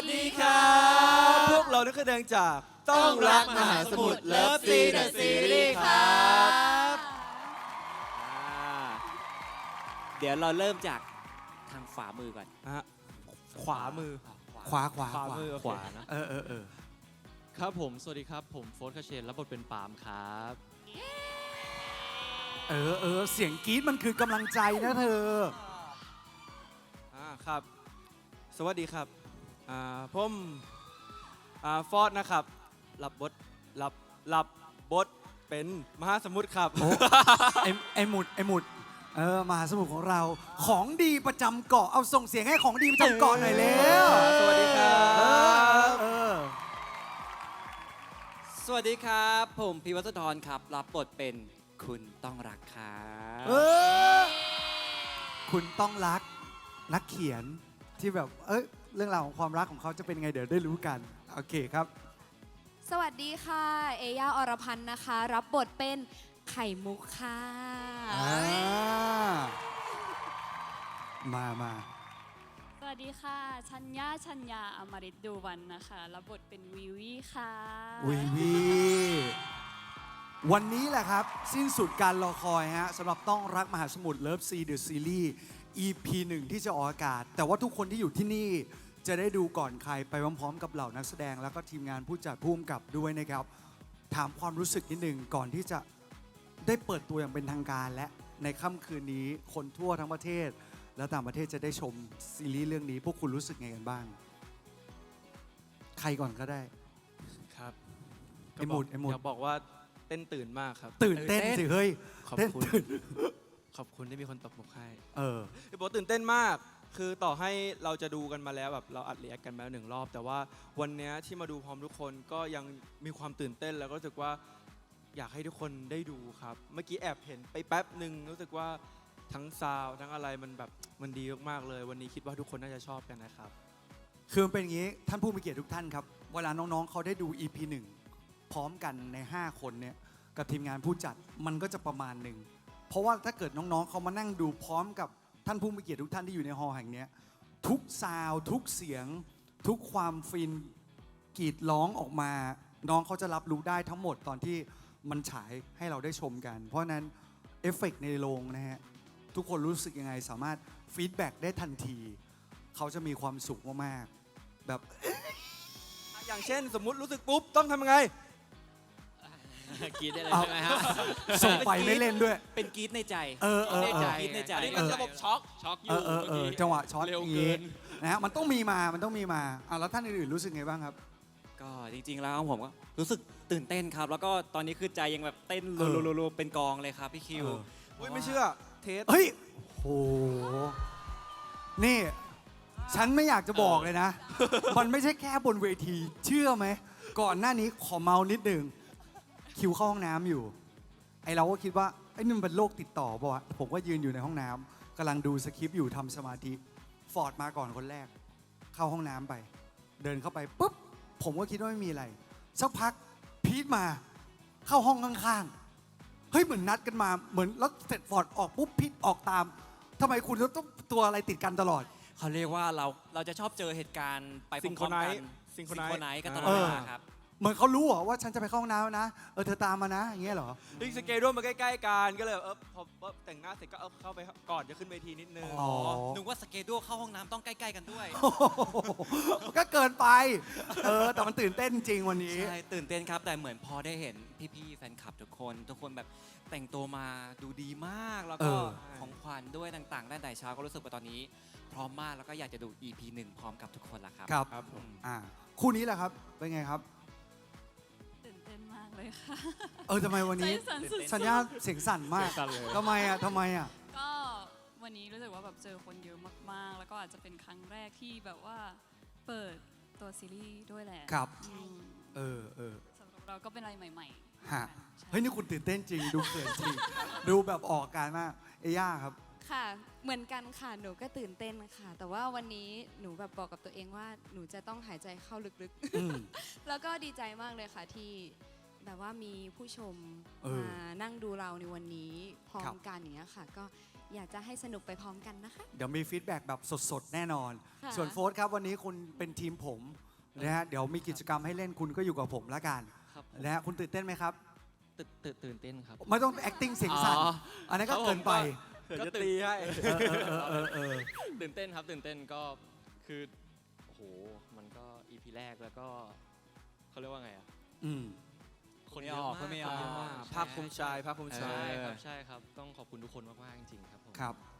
ดีครับ พวกเรานักแสดงจากต้องรักมหาสมุทรเลิฟซีเดอะซีรีส์ครับเดี๋ยวเราเริ่มจากทางขวามือก่อนขวามือขวามือขวานะครับผมสวัสดีครับผมโฟร์คาเชนรับบทเป็นปาล์มครับเสียงกรี๊ดมันคือกำลังใจนะเธอครับ สวัสดีครับผมฟอร์ดนะครับรับบทเป็นมหาสมุทรครับไอหมุดมหาสมุทรของเราของดีประจำเกาะเอาส่งเสียงให้ของดีประจำเกาะหน่อยเร็วสวัสดีครับสวัสดีครับผมพิวัตรธรครับรับบทเป็นคุณต้องรักครับคุณต้องรักนักเขียนที่แบบเรื่องราวของความรักของเขาจะเป็นไงเดี๋ยวได้รู้กันโอเคครับสวัสดีค่ะเอย่าอรพันธ์นะคะรับบทเป็นไข่มุกค่ะมาสวัสดีค่ะชัญญาอมฤตดูวันนะคะรับบทเป็นวีวีค่ะวีวันนี้แหละครับสิ้นสุดการรอคอยฮะสำหรับต้องรักมหาสมุทรเลิฟซีเดอะซีรีส์ EP 1 ที่จะออกอากาศแต่ว่าทุกคนที่อยู่ที่นี่จะได้ดูก่อนใครไปพร้อมๆกับเหล่านักแสดงแล้วก็ทีมงานผู้จัดผู้กำกับด้วยนะครับถามความรู้สึกนิดหนึ่งก่อนที่จะได้เปิดตัวอย่างเป็นทางการและในค่ำคืนนี้คนทั่วทั้งประเทศและต่างประเทศจะได้ชมซีรีส์เรื่องนี้พวกคุณรู้สึกไงกันบ้างใครก่อนก็ได้ครับไอหมุดอยากบอกว่าเต้นตื่นมากครับตื่นเต้นสิเฮ้ยขอบคุณที่มีคนตบมุกให้บอกตื่นเต้นมากคือต่อให้เราจะดูกันมาแล้วแบบเราอัดเรียกกันมา1 รอบแต่ว่าวันนี้ที่มาดูพร้อมทุกคนก็ยังมีความตื่นเต้นแล้วก็รู้สึกว่าอยากให้ทุกคนได้ดูครับเมื่อกี้แอบเห็นไปแป๊บหนึ่งรู้สึกว่าทั้งซาวทั้งอะไรมันดีมากๆเลยวันนี้คิดว่าทุกคนน่าจะชอบกันนะครับคือมันเป็นอย่างนี้ท่านผู้มีเกียรติทุกท่านครับเวลาน้องๆเขาได้ดู EP 1 พร้อมกันใน5 คนเนี่ยกับทีมงานผู้จัดมันก็จะประมาณหนึ่งเพราะว่าถ้าเกิดน้องๆเขามานั่งดูพร้อมกับท่านผู้มีเกียรติทุกท่านที่อยู่ในฮอลล์แห่งนี้ทุกซาวทุกเสียงทุกความฟินกรีดร้องออกมาน้องเขาจะรับรู้ได้ทั้งหมดตอนที่มันฉายให้เราได้ชมกันเพราะนั้นเอฟเฟกต์ในโรงนะฮะทุกคนรู้สึกยังไงสามารถฟีดแบ็กได้ทันทีเขาจะมีความสุขมากๆแบบอย่างเช่นสมมุติรู้สึกปุ๊บต้องทำยังไงกรีดได้เลยใช่ไหมฮะส่งไปไม่เล่นด้วยเป็นกรีดในใจกรีดในใจอันนี้มันระบบช็อกอยู่จังหวะช็อตอย่างนี้นะฮะมันต้องมีมาแล้วท่านอื่นๆรู้สึกไงบ้างครับก็จริงๆแล้วผมก็รู้สึกตื่นเต้นครับแล้วก็ตอนนี้คือใจยังแบบเต้นรัวๆเป็นกองเลยครับพี่คิวไม่เชื่อเทสเฮ้ยโหนี่ฉันไม่อยากจะบอกเลยนะมันไม่ใช่แค่บนเวทีเชื่อไหมก่อนหน้านี้ขอเมานิดหนึ่งคิวเข้าห้องน้ำอยู่ไอเราก็คิดว่าไอ้นี่มันเป็นโรคติดต่อป่ะผมก็ยืนอยู่ในห้องน้ำกำลังดูสคริปต์อยู่ทำสมาธิฟอร์ดมาก่อนคนแรกเข้าห้องน้ำไปเดินเข้าไปปุ๊บผมก็คิดว่าไม่มีอะไรสักพักพีทมาเข้าห้องข้างๆเฮ้ยเหมือนนัดกันมาเหมือนแล้วเสร็จฟอร์ดออกปุ๊บพีทออกตามทำไมคุณต้องตัวอะไรติดกันตลอดเขาเรียกว่าเราจะชอบเจอเหตุการณ์ไปพร้อมกันซิงโครไนซ์กันตลอดเวลาครับเหมือนเขารู้เหรอว่าฉันจะไปเข้าห้องน้ำนะเธอตามมานะอย่างเงี้ยเหรอสเกดูมาใกล้ๆกันก็เลยพอแต่งหน้าเสร็จก็เข้าไปก่อนจะขึ้นเวทีนิดนึงนึกว่าสเกดูเข้าห้องน้ำต้องใกล้ๆกันด้วยก็เกินไปแต่มันตื่นเต้นจริงวันนี้ใช่ตื่นเต้นครับแต่เหมือนพอได้เห็นพี่ๆแฟนคลับทุกคนแบบแต่งตัวมาดูดีมากแล้วก็ของขวัญด้วยต่างๆได้แต่เช้าก็รู้สึกว่าตอนนี้พร้อมมากแล้วก็อยากจะดู EP 1 พร้อมกับทุกคนละครับครับคู่นี้แหละครับเป็นไงครับตื่นเต้นมากเลยค่ะทำไมวันนี้สัญญาเสียงสั่นมากทำไมอ่ะก็วันนี้รู้สึกว่าแบบเจอคนเยอะมากๆแล้วก็อาจจะเป็นครั้งแรกที่แบบว่าเปิดตัวซีรีส์ด้วยแหละครับสำหรับเราก็เป็นอะไรใหม่ๆฮะเฮ้ยนี่คุณตื่นเต้นจริงดูเขินจริงดูแบบออกการมากเอย่าครับค่ะเหมือนกันค่ะหนูก็ตื่นเต้นค่ะแต่ว่าวันนี้หนูแบบบอกกับตัวเองว่าหนูจะต้องหายใจเข้าลึกๆแล้วก็ดีใจมากเลยค่ะที่แบบว่ามีผู้ชมมานั่งดูเราในวันนี้พร้อมกันอย่างเงี้ยค่ะก็อยากจะให้สนุกไปพร้อมกันนะคะเดี๋ยวมีฟีดแบ็กแบบสดๆ แน่นอนค่ะส่วนโฟร์ครับวันนี้คุณเป็นทีมผมนะฮะเดี๋ยวมีกิจกรรมให้เล่นคุณก็อยู่กับผมละกันครับผมนะฮะคุณตื่นเต้นไหมครับตื่นเต้นครับไม่ต้อง acting เสียงสั่นอ๋ออันนั้นก็ครับผมเกินไปเดี๋ยวจะตีให้ตื่นเต้นครับตื่นเต้นก็คือโอ้โหมันก็ EP แรกแล้วก็เขาเรียกว่าไงอ่ะอืมคนเยอะมากคนไม่ออกคนเยอะมากภาคภูมิใจภาคภูมิใจใช่ครับต้องขอบคุณทุกคนมากๆจริงๆครับผมครับ